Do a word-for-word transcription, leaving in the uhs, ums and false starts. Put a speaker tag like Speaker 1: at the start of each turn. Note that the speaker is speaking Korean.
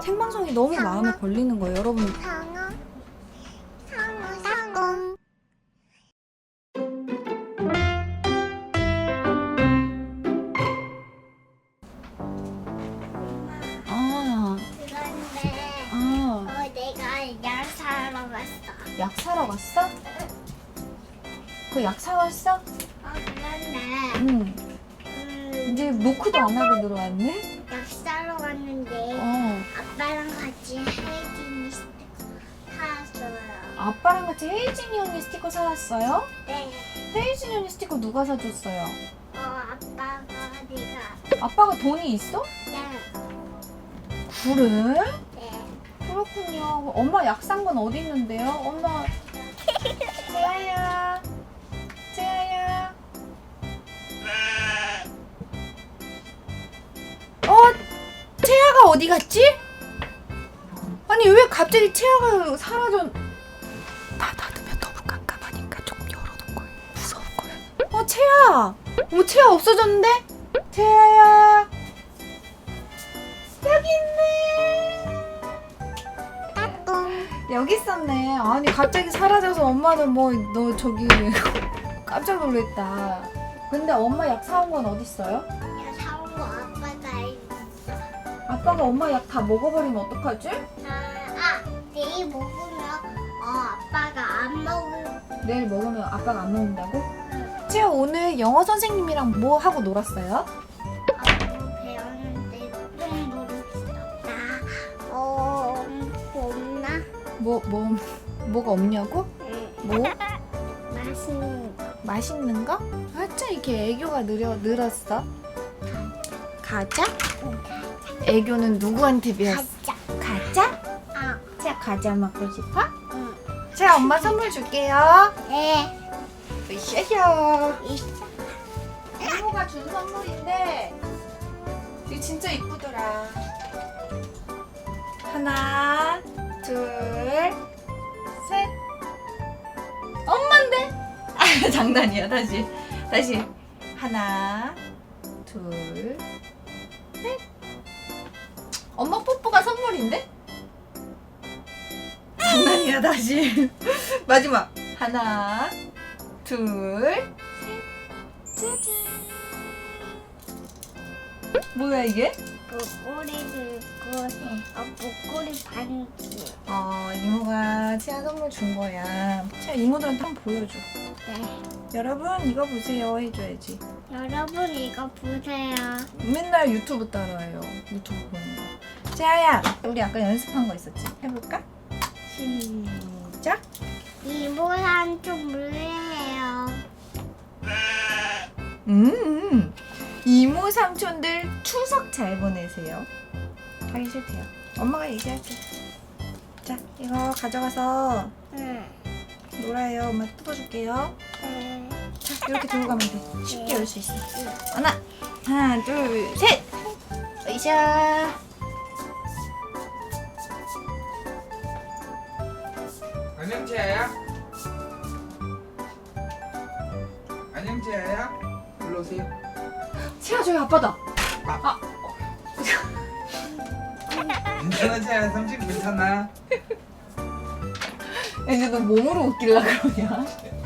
Speaker 1: 생방송이 너무 마음에 걸리는 거예요, 여러분.
Speaker 2: 상어 상어 상어
Speaker 1: 아,
Speaker 2: 그런데
Speaker 1: 아,
Speaker 2: 어 내가 약 사러 갔어.
Speaker 1: 약 사러 갔어? 그 약 사왔어?
Speaker 2: 어 그런데
Speaker 1: 응.
Speaker 2: 음,
Speaker 1: 이제 노크도 안 하고 들어왔네?
Speaker 2: 약 사러 갔는데
Speaker 1: 어.
Speaker 2: 아빠랑 같이 혜진이 스티커 사왔어요.
Speaker 1: 아빠랑 같이 혜진이 언니 스티커 사왔어요?
Speaker 2: 네.
Speaker 1: 혜진이 언니 스티커 누가 사줬어요?
Speaker 2: 어 아빠가 내가
Speaker 1: 아빠가 돈이 있어?
Speaker 2: 네.
Speaker 1: 그래?
Speaker 2: 네.
Speaker 1: 그렇군요. 엄마 약 산 건 어디 있는데요? 엄마. 재아야. 재아야. 어? 채아가 어디 갔지? 아니 왜 갑자기 채아가 사라져? 다 닫으면 너무 깜깜하니까 좀 열어놓은 거예요. 무서울 거야. 어 채아. 어 채아 없어졌는데? 채아야. 여기 있네.
Speaker 2: 따뚱.
Speaker 1: 여기 있었네. 아니 갑자기 사라져서 엄마는 뭐 너 저기 깜짝 놀랐다. 근데 엄마 약 사온 건 어딨어요?
Speaker 2: 야 사온 거 아빠가 있어.
Speaker 1: 아빠가 엄마 약 다 먹어버리면 어떡하지?
Speaker 2: 아, 아 내일 먹으면 어 아빠가 안 먹을.
Speaker 1: 내일 먹으면 아빠가 안 먹는다고? 채아 오늘 영어 선생님이랑 뭐 하고 놀았어요?
Speaker 2: 어, 배웠는데 좀 모르겠다. 어, 없나?
Speaker 1: 뭐, 뭐, 뭐가 없냐고?
Speaker 2: 응.
Speaker 1: 뭐?
Speaker 2: 맛있는 거.
Speaker 1: 맛있는 거? 아차 이렇게 애교가 늘어, 늘었어. 가자? 애교는 누구한테 배웠어?
Speaker 2: 가자.
Speaker 1: 가자?
Speaker 2: 아,
Speaker 1: 채아 과자 먹고 싶어?
Speaker 2: 응.
Speaker 1: 채아 엄마 선물 줄게요.
Speaker 2: 네.
Speaker 1: 으쌰쌰.
Speaker 2: 있어.
Speaker 1: 이모가 준 선물인데 이게 진짜 이쁘더라. 하나, 둘, 셋. 엄마인데? 아, 장난이야. 다시, 다시. 하나, 둘, 셋. 엄마 뽀뽀가 선물인데? 장난이야. 다시. 마지막. 하나, 둘, 셋. 짜잔. 뭐야 이게?
Speaker 2: 목걸이도 있고, 어, 목걸이 반지.
Speaker 1: 어, 이모가 치아 선물 준 거야. 치아 이모들한테 한번 보여줘.
Speaker 2: 네.
Speaker 1: 여러분 이거 보세요 해줘야지.
Speaker 2: 여러분 이거 보세요.
Speaker 1: 맨날 유튜브 따라해요. 유튜브 보는 거. 치아야, 우리 아까 연습한 거 있었지? 해볼까? 시작.
Speaker 2: 이모랑 좀 물래요.
Speaker 1: 음, 이모 삼촌들 추석 잘 보내세요. 하기 싫대요. 엄마가 얘기할게. 자, 이거 가져가서
Speaker 2: 응.
Speaker 1: 놀아요. 엄마 뜯어줄게요.
Speaker 2: 네.
Speaker 1: 자, 이렇게 들고 가면 돼. 쉽게 열 수 있어.
Speaker 2: 응.
Speaker 1: 하나, 하나, 둘, 셋. 으쌰.
Speaker 3: 안녕 재아야. 안녕 재아야. 일로 오세요.
Speaker 1: 치아 저기 아빠다.
Speaker 3: 괜찮아 재아야. 삼촌 괜찮아.
Speaker 1: 이제 너 몸으로 웃길라 그러냐?